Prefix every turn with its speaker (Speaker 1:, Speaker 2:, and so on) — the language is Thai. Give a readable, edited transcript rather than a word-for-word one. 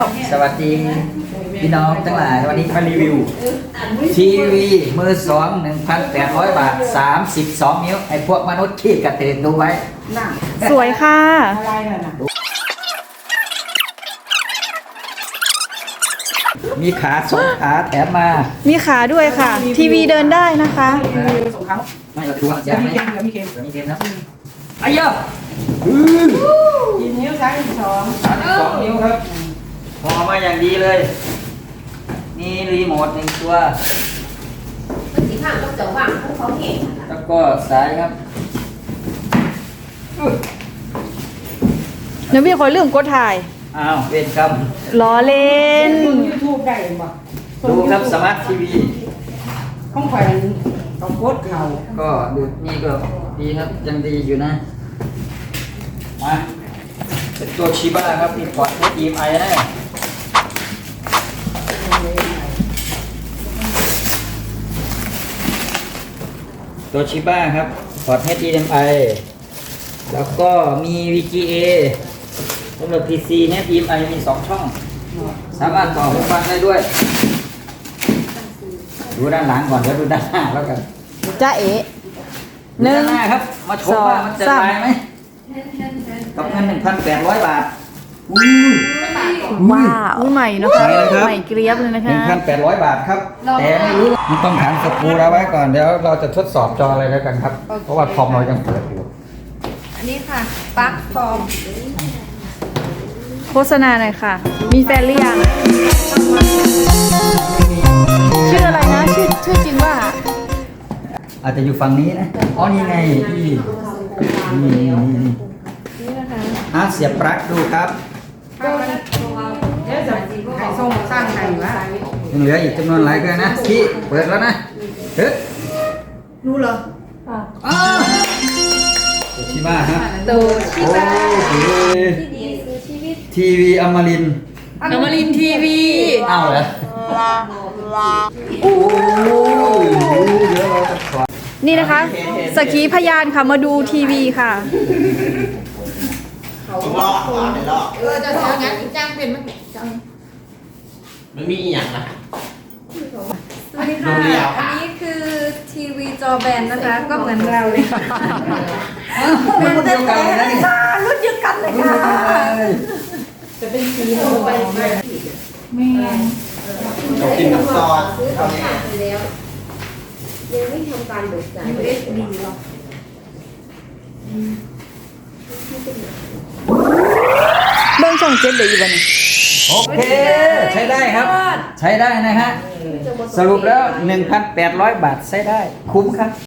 Speaker 1: สวัสดีพี่น้องทั้งหลายวันนี้มารีวิวทีวีมือสอง 1,800 บาท 32 นิ้วไอ้พวกมนุษย์ขี้กระเตงดูไว้
Speaker 2: สวยค่ะ
Speaker 3: อะไรน่ะนะ
Speaker 1: มีขาสองขาแถมมา
Speaker 2: มีขาด้วยค่ะ ทีวีเดินได้นะคะ
Speaker 3: สองครั้ง
Speaker 1: ไม่เราทวง
Speaker 3: เดี๋
Speaker 1: จะ
Speaker 3: ยวมี
Speaker 1: ไม่
Speaker 3: เค็มเดี๋ยวมีเค็ม
Speaker 1: มีเกมนะไอ้เยอะ
Speaker 3: กินนิ้วซ้ายสอง
Speaker 1: 32 นิ้วครับพอมาอย่างดีเลย มีรีโมทหนึ่งตัว
Speaker 4: มันสีข้างก็จะว่างพวกเขาเห็นนะคะ
Speaker 1: แล้วก็สายครับ
Speaker 2: เดี๋ยวพี่ขอเรื่องกดถ่าย
Speaker 1: อ้าวเวรกรรม
Speaker 2: ล้อเล่น
Speaker 3: มึงยูทูบได้บ่
Speaker 1: ดูครับสมาร์ททีวี
Speaker 3: ข้องแขวนต้องโคตรเข่า
Speaker 1: ก็ดูนี่ก็ดีครับยังดีอยู่นะมาเป็นตัวชิบ้าครับมีพอร์ต HDMI นะตัวชิบ้าครับพอร์ต HDMI แล้วก็มี VGA สำหรับ PC เนี่ย HDMI มี 2 ช่อง สามารถต่อหูฟังได้ด้วย ดูด้านหลังก่อนแล้วดูด้านหน้าแล้วกัน
Speaker 2: จ้าเอ๋
Speaker 1: หนึ่งหน้าครับ มาชมว่ามันจะ
Speaker 2: สอง
Speaker 1: ตายไหมกับเงิน 1,800 บาทอุ้ย
Speaker 2: ว้าวอุ้ยใหม่นะคะ
Speaker 1: ใหม่เลยครับ
Speaker 2: ใหม่เกรียบเลยนะคะ
Speaker 1: 1,800 บาทครับ แต่ไม่รู้มันต้องถามสกรูเราไว้ก่อน เดี๋ยวเราจะทดสอบจออะไรแล้วกันครับ เพราะว่าคอมเรายังเปิดอยู่
Speaker 4: อันนี้ค่ะปลั๊กฟอร์ม
Speaker 2: โฆษณาหน่อยค่ะ มีแฟนหรือยัง ชื่ออะไรนะ ชื่อจริงว่า
Speaker 1: อาจจะอยู่ฝั่งนี้นะ อ๋อ นี่ไงพี่นี่เสียบปลั๊กดูครับ
Speaker 3: เดี๋ยวจะให้ส่งสร้างไข่วะ
Speaker 1: ยังเหลืออีกจำนวนหลายเกินนะพี่เปิดแล้วนะเฮ้ย
Speaker 3: รู้เหรอ
Speaker 1: อ้าวตัวชิบ้าฮะ
Speaker 2: ตัว
Speaker 1: โอ้ย
Speaker 4: ที่ดีคือชีวิต
Speaker 1: ทีวีอมรินทร์
Speaker 2: อมรินทีวี
Speaker 1: อ้าวเหรอโอ้ยเดี๋ยวเราจะขอ
Speaker 2: นี่นะคะ สกขีพยานค่ะมาดูทีวีค่ะ
Speaker 4: จะเสียงั้นจ้างเป็นมันจะ
Speaker 5: มันมีอีกอย่างนะ
Speaker 4: สวัสดีค่ะ อันนี้คือทีวีจอแบนนะคะ ก็เหมือนเราเลยค่ะ
Speaker 1: มันรุ่นเดียวกันเลยนะนี่
Speaker 4: รุ่นเดียวกันเลยค่ะ
Speaker 3: จะเป็นสีโทนไปไม่
Speaker 5: เรากินน้ำซอส
Speaker 4: ซื้อของฝากไปแล้ว ยังไม่ทำการเบิกจ่าย USB หรอก
Speaker 2: เบื้องช่องเจ็ดเดี๋ยวอยู่บ้าน
Speaker 1: โอเค ใช้ได้ครับ ใช้ได้นะฮะ สรุปแล้ว 1,800 บาทใช้ได้ คุ้มครับ